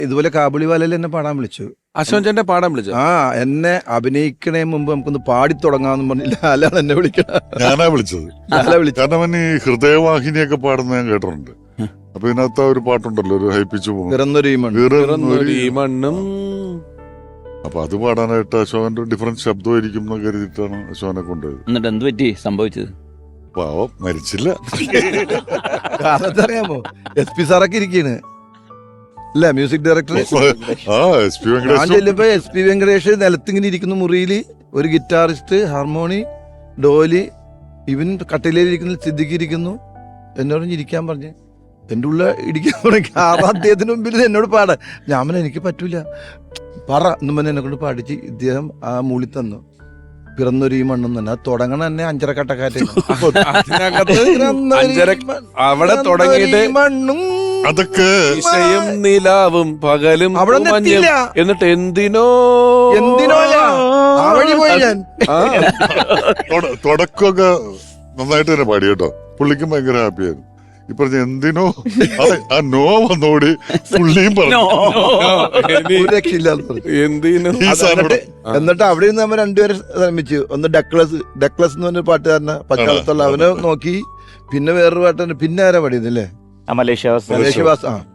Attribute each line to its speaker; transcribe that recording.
Speaker 1: ഇതുപോലെ കാബുളിവാലയിൽ എന്നെ പാടാൻ വിളിച്ചു.
Speaker 2: അശോകൻ ചേട്ടനെ പാടാൻ വിളിച്ചു.
Speaker 1: എന്നെ അഭിനയിക്കണേ മുമ്പ് നമുക്കൊന്ന് പാടി തുടങ്ങാമെന്ന് പറഞ്ഞില്ല. ലാലാണ് എന്നെ വിളിക്കണം.
Speaker 3: ഞാനാ വിളിച്ചത്. കാരണം അവൻ ഈ ഹൃദയവാഹിനിയൊക്കെ പാടുന്ന ഞാൻ കേട്ടിട്ടുണ്ട്. അപ്പൊ ഇതിനകത്ത് ഒരു പാട്ടുണ്ടല്ലോ, ഒരു ഹൈപ്പിച്ചു
Speaker 2: മണ്ണും.
Speaker 3: അപ്പൊ അത് പാടാനായിട്ട് അശോകന്റെ ഡിഫറൻറ്റ് ശബ്ദമായിരിക്കും എന്ന് കരുതിയിട്ടാണ് അശോകനെ കൊണ്ടുപോയത്.
Speaker 4: എന്നിട്ട് എന്ത് പറ്റി സംഭവിച്ചത്?
Speaker 3: പാവം മരിച്ചില്ല.
Speaker 1: അറിയാമോ, SP സാറൊക്കെ ഇരിക്കാണ് അല്ല, മ്യൂസിക് ഡയറക്ടർ. ഞാൻ ചെല്ലുമ്പോ SP വെങ്കടേഷ് നിലത്തിങ്ങനെ ഇരിക്കുന്നു മുറിയില്, ഒരു ഗിറ്റാറിസ്റ്റ്, ഹാർമോണി, ഡോലി, ഇവൻ കട്ടിലേലിരിക്കുന്ന സിദ്ദിഖ് ഇരിക്കുന്നു. എന്നോട് ഇരിക്കാൻ പറഞ്ഞ് എന്റെ ഉള്ള ഇടിക്കാൻ തുടങ്ങി. അദ്ദേഹത്തിന് മുമ്പിൽ എന്നോട് പാടാൻ ഞാൻ എനിക്ക് പറ്റൂല പറ എന്നും പറഞ്ഞ് എന്നെ കൊണ്ട് പാടിച്ച് ഇദ്ദേഹം ആ മൂളി തന്നു. പിറന്നൊരു ഈ മണ്ണും തന്നെ. അത് തുടങ്ങണ തന്നെ അഞ്ചരക്കട്ടക്കാറ്റ്.
Speaker 2: അവിടെ തുടങ്ങിയിട്ട്
Speaker 1: മണ്ണും
Speaker 3: അതൊക്കെ
Speaker 2: നിലാവും പകലും
Speaker 1: അവിടെ
Speaker 2: എന്നിട്ട് എന്തിനോ
Speaker 1: ആ വഴി പോയി ഞാൻ.
Speaker 3: തുടക്കമൊക്കെ നന്നായിട്ട് തന്നെ പാടി കേട്ടോ. പുള്ളിക്കും ഭയങ്കര ഹാപ്പിയായിരുന്നു. ഈ പറഞ്ഞ എന്തിനോ ആ നോ വന്നോടി പുള്ളിയും പറഞ്ഞു.
Speaker 1: എന്നിട്ട് അവിടെ നിന്ന് നമ്മൾ രണ്ടുപേരും ശ്രമിച്ചു. ഒന്ന് ഡക്ലസ് എന്ന് പറഞ്ഞ പാട്ടുകാരനെ പച്ചാളത്തുള്ള അവനെ നോക്കി. പിന്നെ വേറൊരു പാട്ടുകാരൻ. പിന്നെ ആരാ പാടിയതല്ലേ,
Speaker 4: മലേഷ്യ.
Speaker 1: മലേഷ്യവാസ്.